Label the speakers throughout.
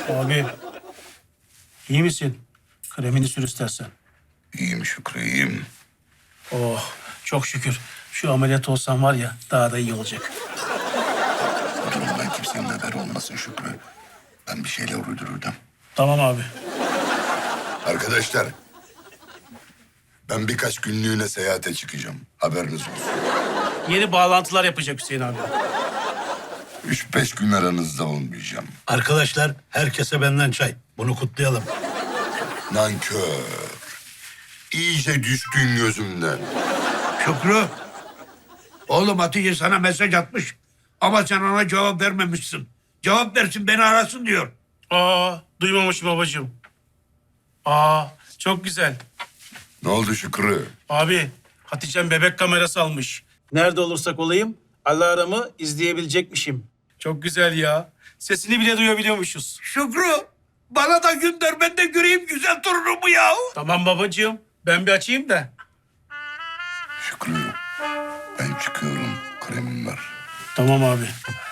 Speaker 1: Abi, iyi misin? Kremini sür istersen.
Speaker 2: İyiyim Şükrü, iyiyim.
Speaker 1: Oh, çok şükür. Şu ameliyat olsam var ya, daha da iyi olacak.
Speaker 2: Bu durumdan kimsenin haberi olmasın Şükrü. Ben bir şeyler uydururdum.
Speaker 1: Tamam abi.
Speaker 2: Arkadaşlar, ben birkaç günlüğüne seyahate çıkacağım. Haberiniz olsun.
Speaker 1: Yeni bağlantılar yapacak Hüseyin abi.
Speaker 2: 3-5 gün aranızda olmayacağım.
Speaker 3: Arkadaşlar herkese benden çay. Bunu kutlayalım.
Speaker 2: Nankör. İyice düştün gözümden.
Speaker 4: Şükrü. Oğlum Hatice sana mesaj atmış. Ama sen ona cevap vermemişsin. Cevap versin beni arasın diyor.
Speaker 1: Aa, duymamış babacığım. Aa, çok güzel.
Speaker 2: Ne oldu Şükrü?
Speaker 1: Abi, Hatice'm bebek kamerası almış. Nerede olursak olayım, alarmı izleyebilecekmişim. Çok güzel ya. Sesini bile duyabiliyormuşuz.
Speaker 4: Şükrü bana da gönder ben de göreyim güzel torunumu ya.
Speaker 1: Tamam babacığım, ben bir açayım da.
Speaker 2: Şükrü, ben çıkıyorum. Kremim var.
Speaker 1: Tamam abi.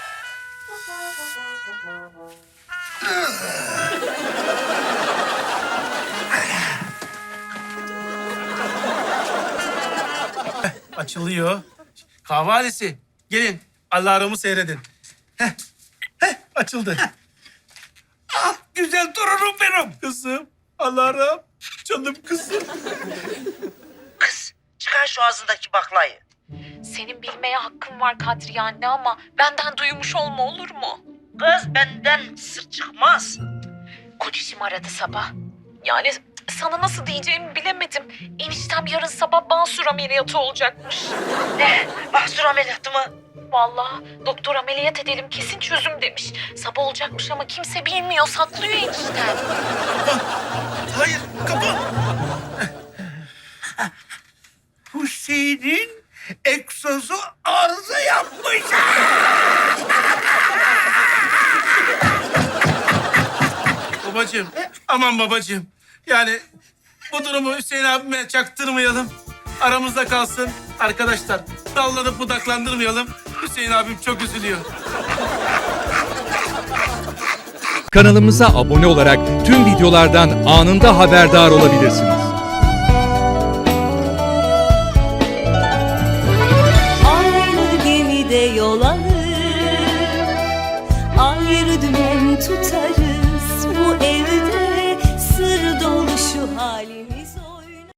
Speaker 1: Açılıyor. Kahvalesi. Gelin, alarmı seyredin. Açıldı.
Speaker 4: Ah güzel torunum benim.
Speaker 1: Kızım, alarm. Canım kızım.
Speaker 5: Kız çıkar şu ağzındaki baklayı.
Speaker 6: Senin bilmeye hakkın var Kadriye anne ama benden duymuş olma olur mu?
Speaker 5: Kız benden sır çıkmaz.
Speaker 6: Kocacığım aradı sabah. Yani sana nasıl diyeceğimi bilemedim. Eniştem yarın sabah basur ameliyatı olacakmış.
Speaker 5: Ne? Mahsur ameliyatı mı?
Speaker 6: Vallahi doktor ameliyat edelim kesin çözüm demiş. Sabah olacakmış ama kimse bilmiyor saklıyor eniştem.
Speaker 1: Hayır, kapa.
Speaker 4: Hüseyin'in egzozu arıza yapmış.
Speaker 1: Babacığım, aman babacığım. Yani bu durumu Hüseyin abime çaktırmayalım. Aramızda kalsın. Arkadaşlar, dallanıp budaklandırmayalım. Hüseyin abim çok üzülüyor.
Speaker 7: Kanalımıza abone olarak tüm videolardan anında haberdar olabilirsiniz.